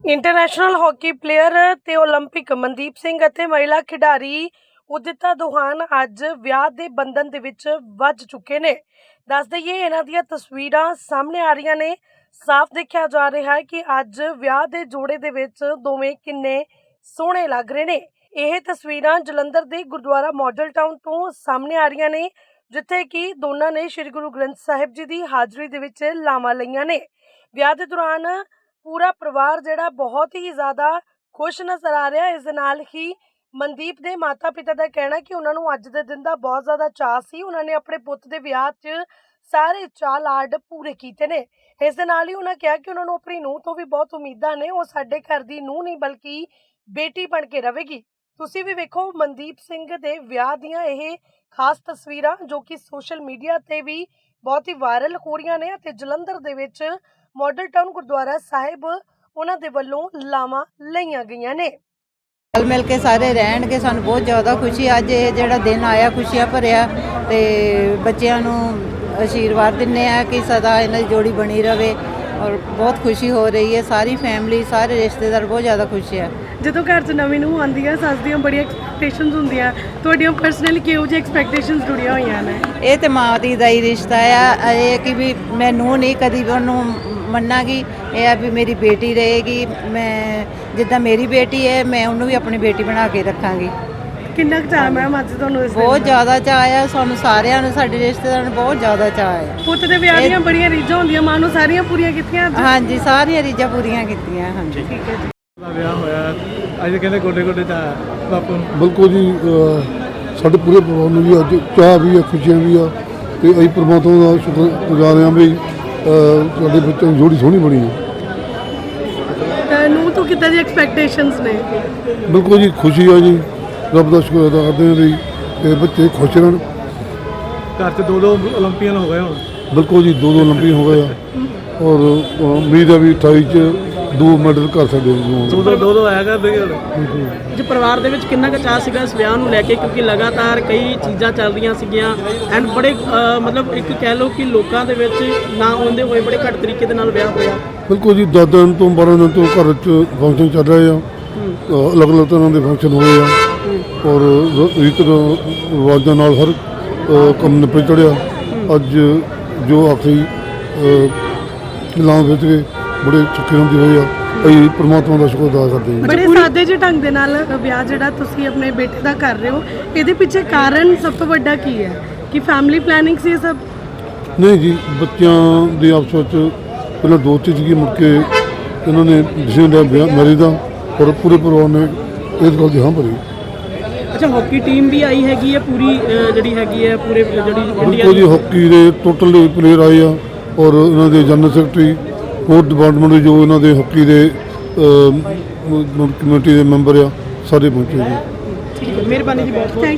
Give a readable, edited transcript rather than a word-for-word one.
International hockey player ਤੇ Olympic Mandeep Singh ਅਤੇ ਮਹਿਲਾ ਖਿਡਾਰੀ ਉਦਿਤਾ ਦੋਹਾਨ ਅੱਜ ਵਿਆਹ ਦੇ ਬੰਧਨ ਦੇ ਵਿੱਚ ਵੱਜ ਚੁੱਕੇ ਨੇ। ਦੱਸ ਦਈਏ ਇਹਨਾਂ ਦੀਆਂ ਤਸਵੀਰਾਂ ਸਾਹਮਣੇ ਆ ਰਹੀਆਂ ਨੇ। ਸਾਫ਼ ਦੇਖਿਆ ਜਾ ਰਿਹਾ ਹੈ ਕਿ ਅੱਜ ਵਿਆਹ ਦੇ ਜੋੜੇ ਦੇ ਵਿੱਚ ਦੋਵੇਂ ਕਿੰਨੇ ਸੋਹਣੇ ਲੱਗ ਰਹੇ ਨੇ। ਇਹ ਤਸਵੀਰਾਂ ਜਲੰਧਰ ਦੇ ਗੁਰਦੁਆਰਾ ਮਾਡਲ ਟਾਊਨ ਤੋਂ ਸਾਹਮਣੇ ਆ ਰਹੀਆਂ ਨੇ, ਜਿੱਥੇ ਕਿ ਦੋਨਾਂ ਨੇ ਸ਼੍ਰੀ ਗੁਰੂ ਗ੍ਰੰਥ ਸਾਹਿਬ ਜੀ ਦੀ ਹਾਜ਼ਰੀ ਦੇ ਵਿੱਚ ਲਾਵਾਂ ਲਈਆਂ ਨੇ। ਵਿਆਹ ਦੇ ਦੌਰਾਨ पूरा परिवार जिहड़ा बहुत ही ज़्यादा खुश नज़र आ रहा है। इस दे नाल ही मनदीप दे माता पिता का कहना कि उन्होंने अज दे दिन का बहुत ज़्यादा चाह सी। उन्होंने अपने पुत दे विआह च सारे चाह लाड पूरे कीते ने। इस दे नाल ही उन्होंने कहा कि उन्होंने अपनी नूह तो भी बहुत उम्मीदां ने। वो साडे घर दी नूह नहीं बल्कि बेटी बन के रहेगी। तुसीं भी वेखो मनदीप सिंह दे विआह दीयां इह खास तस्वीरां जो कि सोशल मीडिया ते भी बहुत ही वायरल हो रही ने। ते जलंधर दे विच मॉडल टाउन गुरुद्वारा साहिब उन्हां दे वल्लों लावां लईआं गईआं ने। रल मिल के सारे रहणगे, सानूं बहुत ज़्यादा खुशी। अज ये जिहड़ा दिन आया खुशियां भरिया ते बच्चिआं नूं आशीर्वाद दिंदे आ कि सदा इन्हां दी जोड़ी बनी रहे और बहुत खुशी हो रही है। सारी फैमिली सारे रिश्तेदार बहुत ज़्यादा खुश है। ਜਦੋਂ ਘਰ 'ਚ ਨਵੀਂ ਨੂੰਹ ਆਉਂਦੀ ਹੈ ਸੱਸ ਦੀਆਂ ਬੜੀਆਂ ਐਕਸਪੈਕਟੇਸ਼ਨਸ ਹੁੰਦੀਆਂ, ਤੁਹਾਡੀਆਂ ਪਰਸਨਲੀ ਕਿਹੋ ਜਿਹੀ ਐਕਸਪੈਕਟੇਸ਼ਨਸ ਜੁੜੀਆਂ ਹੋਈਆਂ ਨੇ? ਇਹ ਤੇ ਮਾਂ ਦੀ ਦਾ ਹੀ ਰਿਸ਼ਤਾ ਆ। ਇਹ ਕਿ ਵੀ ਮੈਂ ਨੂੰਹ ਨਹੀਂ ਕਦੀ ਵੀ ਉਹਨੂੰ ਮੰਨਾਂਗੀ। ਇਹ ਆ ਵੀ ਮੇਰੀ ਬੇਟੀ ਰਹੇਗੀ। ਮੈਂ ਜਿੱਦਾਂ ਮੇਰੀ ਬੇਟੀ ਹੈ ਮੈਂ ਉਹਨੂੰ ਵੀ ਆਪਣੀ ਬੇਟੀ ਬਣਾ ਕੇ ਰੱਖਾਂਗੀ। ਕਿੰਨਾ ਕੁ ਚਾਅ ਮੈਮ ਅੱਜ ਤੁਹਾਨੂੰ ਇਸ ਬਹੁਤ ਜ਼ਿਆਦਾ ਚਾਅ ਆ ਸਾਨੂੰ ਸਾਰਿਆਂ ਨੂੰ, ਸਾਡੇ ਰਿਸ਼ਤੇਦਾਰਾਂ ਨੂੰ ਬਹੁਤ ਜ਼ਿਆਦਾ ਚਾਅ ਆ। ਪੁੱਤ ਦੇ ਵਿਆਹ ਦੀਆਂ ਬੜੀਆਂ ਰੀਝਾਂ ਹੁੰਦੀਆਂ, ਮਾਂ ਨੂੰ ਸਾਰੀਆਂ ਪੂਰੀਆਂ ਕੀਤੀਆਂ? ਹਾਂਜੀ ਸਾਰੀਆਂ ਰੀਝਾਂ ਪੂਰੀਆਂ ਕੀਤੀਆਂ। ਹਾਂਜੀ ਠੀਕ ਹੈ ਜੀ। ਵਿਆਹ ਹੋਇਆ ਅੱਜ ਕਹਿੰਦੇ ਗੋਡੇ ਗੋਡੇ ਚਾਹ ਬਾਪੂ ਨੂੰ। ਬਿਲਕੁਲ ਜੀ, ਸਾਡੇ ਪੂਰੇ ਪਰਿਵਾਰ ਨੂੰ ਵੀ ਅੱਜ ਚਾਹ ਵੀ ਆ, ਖੁਸ਼ੀਆਂ ਵੀ ਆ ਤੇ ਅਸੀਂ ਪਰਮਾਤਮਾ ਦਾ ਸ਼ੁਕਰਗੁਜ਼ਾਰ ਹਾਂ ਵੀ ਸਾਡੇ ਬੱਚਿਆਂ ਦੀ ਜੋੜੀ ਸੋਹਣੀ ਬਣੀ ਹੈ। ਤਾਂ ਨੂੰ ਤੋਂ ਕਿੱਦਾਂ ਦੀ ਐਕਸਪੈਕਟੇਸ਼ਨਸ ਨੇ? ਬਿਲਕੁਲ ਜੀ, ਖੁਸ਼ੀ ਆ ਜੀ, ਰੱਬ ਦਾ ਸ਼ੁਕਰ ਅਦਾ ਕਰਦੇ ਹਾਂ ਵੀ ਇਹ ਬੱਚੇ ਖੁਸ਼ ਰਹਿਣ। ਘਰ 'ਚ ਦੋ ਓਲੰਪੀਅਨ ਹੋ ਗਏ ਹੁਣ। ਬਿਲਕੁਲ ਜੀ, ਦੋ ਓਲੰਪੀਅਨ ਹੋ ਗਏ ਆ ਔਰ ਉਮੀਦ ਆ ਵੀ 28 'ਚ 2 ਮੈਡਲ ਕਰ ਸਕਦੇ ਹਾਂ। ਦੋ ਆਇਆ ਕਰਦੇ ਹੁਣ। ਜੀ ਪਰਿਵਾਰ ਦੇ ਵਿੱਚ ਕਿੰਨਾ ਕੁ ਚਾਅ ਸੀਗਾ ਇਸ ਵਿਆਹ ਨੂੰ ਲੈ ਕੇ, ਕਿਉਂਕਿ ਲਗਾਤਾਰ ਕਈ ਚੀਜ਼ਾਂ ਚੱਲ ਰਹੀਆਂ ਸੀਗੀਆਂ ਐਂਡ ਬੜੇ ਮਤਲਬ ਇੱਕ ਕਹਿ ਲਓ ਕਿ ਲੋਕਾਂ ਦੇ ਵਿੱਚ ਨਾ ਆਉਂਦੇ ਹੋਏ ਬੜੇ ਘੱਟ ਤਰੀਕੇ ਦੇ ਨਾਲ ਵਿਆਹ ਹੋਇਆ। ਬਿਲਕੁਲ ਜੀ, 10 ਦਿਨ ਤੋਂ 12 ਦਿਨ ਤੋਂ ਘਰ 'ਚ ਫੰਕਸ਼ਨ ਚੱਲ ਰਹੇ ਆ। ਅਲੱਗ-ਅਲੱਗ ਤਰ੍ਹਾਂ ਦੇ ਫੰਕਸ਼ਨ ਹੋਏ ਆ ਔਰ ਰੀਤ ਰਿਵਾਜ਼ਾਂ ਨਾਲ ਹਰ ਕੰਮ ਨਿਪਟ ਚੜਿਆ। ਅੱਜ ਜੋ ਆਖਰੀ ਲਾਉਂ ਵਿੱਚ ਗਏ ਬੜੇ ਚੁੱਕੇ ਹੁੰਦੇ ਹੋਏ ਆ। ਅਸੀਂ ਪਰਮਾਤਮਾ ਦਾ ਸ਼ੁਕਰ ਅਦਾ ਕਰਦੇ ਹਾਂ। ਬੜੇ ਸਾਦੇ ਜਿਹੇ ਢੰਗ ਦੇ ਨਾਲ ਵਿਆਹ ਜਿਹੜਾ ਤੁਸੀਂ ਆਪਣੇ ਬੇਟੇ ਦਾ ਕਰ ਰਹੇ ਹੋ, ਇਹਦੇ ਪਿੱਛੇ ਕਾਰਨ ਸਭ ਤੋਂ ਵੱਡਾ ਕੀ ਹੈ? ਕਿ ਫੈਮਿਲੀ ਪਲੈਨਿੰਗ ਸੀ ਇਹ ਸਭ? ਨਹੀਂ ਜੀ, ਬੱਚਿਆਂ ਦੇ ਆਪਸ ਵਿੱਚ ਪਹਿਲਾਂ ਦੋਸਤੀ ਸੀਗੀ, ਮੁੜ ਕੇ ਇਹਨਾਂ ਨੇ ਡਿਸੀਜਨ ਲਿਆ ਵਿਆਹ ਮੈਰਿਜ ਦਾ ਔਰ ਪੂਰੇ ਪਰਿਵਾਰ ਨੇ ਇਸ ਗੱਲ ਦੀ ਹਾਂ ਭਰੀ। ਅੱਛਾ, ਹਾਕੀ ਟੀਮ ਵੀ ਆਈ ਹੈਗੀ ਹੈ ਪੂਰੀ ਜਿਹੜੀ ਹੈਗੀ ਹੈ ਪੂਰੇ ਜਿਹੜੀ ਇੰਡੀਆ ਬਿਲਕੁਲ ਜੀ, ਹਾਕੀ ਦੇ ਟੋਟਲ ਪਲੇਅਰ ਆਏ ਆ ਔਰ ਇਹਨਾਂ ਦੇ ਜਨਰਲ ਸੈਕਟਰੀ ਹੋਰ ਡਿਪਾਰਟਮੈਂਟ ਦੇ ਜੋ ਇਹਨਾਂ ਦੇ ਹਾਕੀ ਦੇ ਕਮੇਟੀ ਦੇ ਮੈਂਬਰ ਆ ਸਾਰੇ ਪਹੁੰਚੇ ਜੀ। ਠੀਕ ਹੈ, ਮਿਹਰਬਾਨੀ ਜੀ ਬਹੁਤ ਬਹੁਤ।